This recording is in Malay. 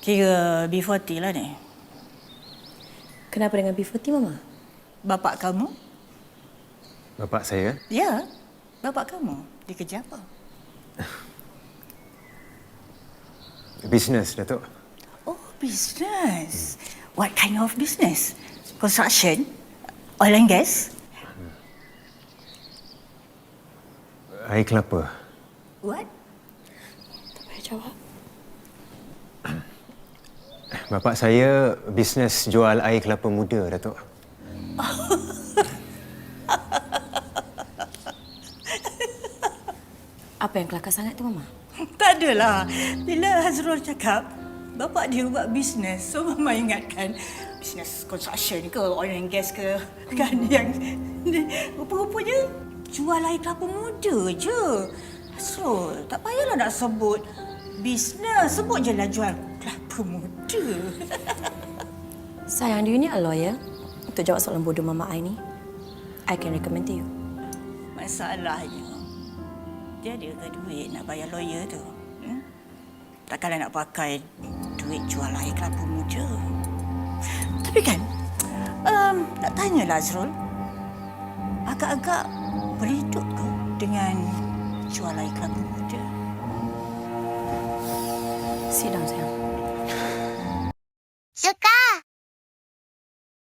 Kira B40 lah ni. Kenapa dengan B40, Mama? Bapak kamu? Bapak saya? Ya, bapak kamu. Dia kerja apa? Bisnes, Datuk. Oh, business. What kind of business? Construction? Oil and gas? Air kelapa. What? Tak payah jawab. Bapak saya bisnes jual air kelapa muda, Datuk. Apa yang kelakar sangat tu, Mama? Tak adalah. Bila Hazrul cakap, bapak dia buat bisnes. So, Mama ingatkan bisnes construction ke, oil and gas ke. Kan yang rupa-rupanya jual air kelapa muda je. Hazrul, tak payahlah nak sebut bisnes. Sebut je lah jual kelapa muda. Sayang, do you need a lawyer untuk jawab soalan bodoh Mama I ni? I can recommend to you. Masalahnya, dia ada ke duit nak bayar lawyer tu? Takkanlah nak pakai duit jual air kelapa muda. Tapi kan, nak tanyalah Azrul, agak-agak boleh hidup ke dengan jual air kelapa muda? Sit down, sayang.